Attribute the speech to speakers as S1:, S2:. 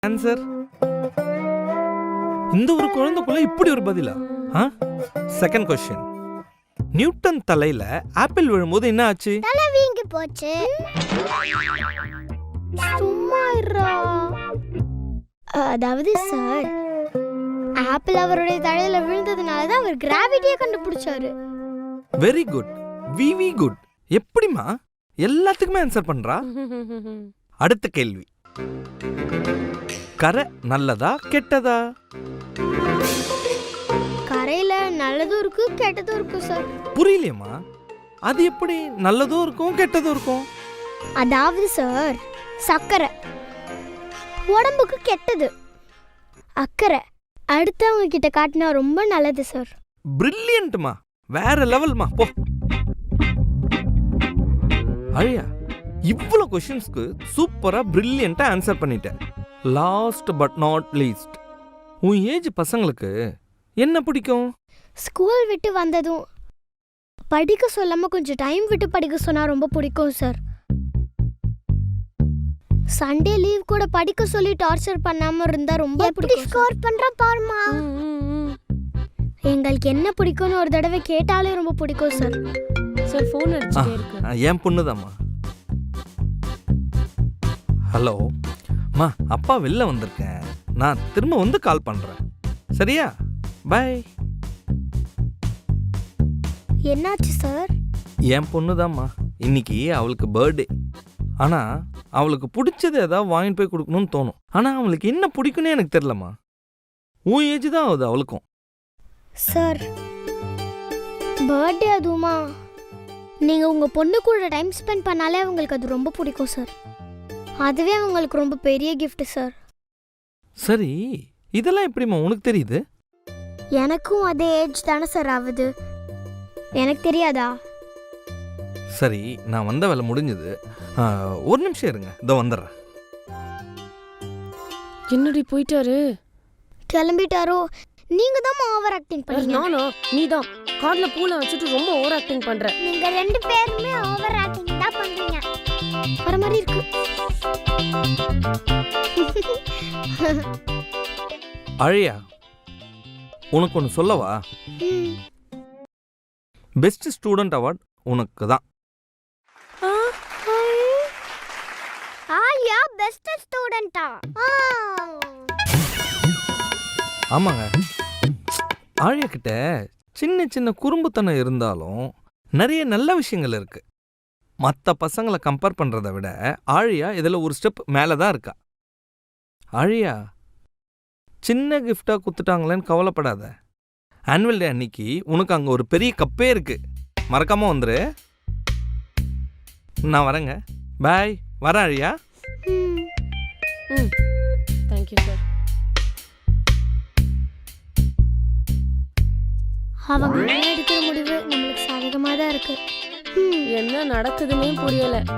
S1: Answer. இந்த ஒரு குழந்தைக்குள்ள இப்படி ஒரு பதிலா? Second question. நியூட்டன் தலையில ஆப்பிள் விழும்போது என்ன ஆச்சு?
S2: தலை வீங்கி போச்சு. சும்மா இருடா. அதாவது சார், ஆப்பிள் அவருடைய தலையில விழுந்ததுனால தான் அவர் கிராவிட்டியை கண்டுபிடிச்சாரு.
S1: Very good, very good. எப்படிமா எல்லாத்துக்குமே ஆன்சர் பண்றா? அடுத்த கேள்வி. கரை நல்லதா கெட்டதா?
S2: கரையில நல்லதும் இருக்கு கெட்டதும் இருக்கு சார்.
S1: புரியலையம்மா. அது எப்படி நல்லதும் இருக்கும் கெட்டதும் இருக்கும்?
S2: அதாவது சார், சர்க்கரை உடம்புக்கு கெட்டது, அக்கறை அடுத்தவங்க கிட்ட காட்டினா ரொம்ப நல்லது சார்.
S1: பிரில்லியன்ட்மா, வேற லெவல்மா. போ அழியா, இவ்வளோ கொஸ்டின்ஸ்க்கு சூப்பரா பிரில்லியண்டா ஆன்சர் பண்ணிட்டேன். லாஸ்ட் பட் நாட் லீஸ்ட், உன் ஏஜ் பசங்களுக்கு என்ன பிடிக்கும்?
S2: ஸ்கூல் விட்டு வந்ததும் படிக்க சொல்லாம கொஞ்சம் டைம் விட்டு படிக்க சொன்னா ரொம்ப பிடிக்கும் சார். சண்டே லீவ் கூட படிக்க சொல்லி டார்ச்சர் பண்ணாம இருந்தா ரொம்ப பிடிக்கும். ஸ்கோர் பண்றா பாருமா. எங்களுக்கு என்ன பிடிக்கும்னு ஒரு தடவை கேட்டாலே ரொம்ப பிடிக்கும் சார்.
S3: சார் ஃபோன் அடிச்சிட்டே இருக்கு.
S1: என் பொண்ணுதாம்மா. ஹலோ மா, அப்பா வெளில வந்திருக்கேன், நான் திரும்ப வந்து கால் பண்றேன். சரியா? பை.
S2: என்னாச்சு சார்?
S1: என் பொண்ணுதாம்மா, இன்னைக்கு அவளுக்கு பர்த்டே. ஆனா அவளுக்கு பிடிச்சது ஏதாவது வாங்கிட்டு போய் கொடுக்கணும்னு தோணும். ஆனா அவளுக்கு என்ன பிடிக்கும்னு எனக்கு தெரியலம்மா. உன் ஏஜ் தான் ஆகுது அவளுக்கும்.
S2: சார், பர்த்டே அதுவுமா? நீங்க உங்க பொண்ணு கூட டைம் ஸ்பெண்ட் பண்ணாலே அவங்களுக்கு அது ரொம்ப பிடிக்கும் சார். அதுவே அவங்களுக்கு ரொம்ப பெரிய கிஃப்ட் சார்.
S1: சரி, இதெல்லாம் எப்படிம்மா உனக்கு தெரியுது?
S2: எனக்கும் அதே ஏஜ் தானே சார் ஆகுது, எனக்கு தெரியாதா?
S1: சரி, நான் வந்த வேலை முடிஞ்சது. ஒரு நிமிஷம் இருங்க, இதோ வந்துடுறேன்.
S3: என்னடி போயிட்டாரு?
S2: கிளம்பிட்டாரோ? நீங்க தான் ஓவர் ஆக்டிங் பண்ணீங்க.
S3: நானோ? நீதான் கார்ல பூல வச்சுட்டு ரொம்ப ஓவர் ஆக்டிங் பண்ற.
S2: நீங்க ரெண்டு பேருமே ஓவர் ஆக்டிங் தான் பண்றீங்க. வர மாதிரி இருக்கு.
S1: அழியா, உனக்கு ஒன்று சொல்லவா? பெஸ்ட் ஸ்டூடெண்ட் அவார்ட் உனக்கு தான்.
S2: ஆலியா பெஸ்ட் ஸ்டூடெண்டா?
S1: ஆமாங்க, ஆழியா கிட்ட சின்ன சின்ன குறும்புத்தனம் இருந்தாலும் நிறைய நல்ல விஷயங்கள் இருக்கு. மற்ற பசங்களை கம்பேர் பண்றதை விட ஆழியா இதில் ஒரு ஸ்டெப் மேலே தான் இருக்கா. ஆழியா, சின்ன கிஃப்டா குத்துட்டாங்களேன்னு கவலைப்படாத. ஆனுவல் டே அன்னைக்கு உனக்கு அங்கே ஒரு பெரிய கப்பே இருக்கு, மறக்காம வந்துரு. நான் வரேங்க. பாய். வரேன் ஆழியா.
S3: Thank you sir.
S2: அவங்க எடுக்கிற முடிவு நம்மளுக்கு சாதகமாக தான் இருக்கு.
S3: என்ன நடக்குதுன்னே புரியல.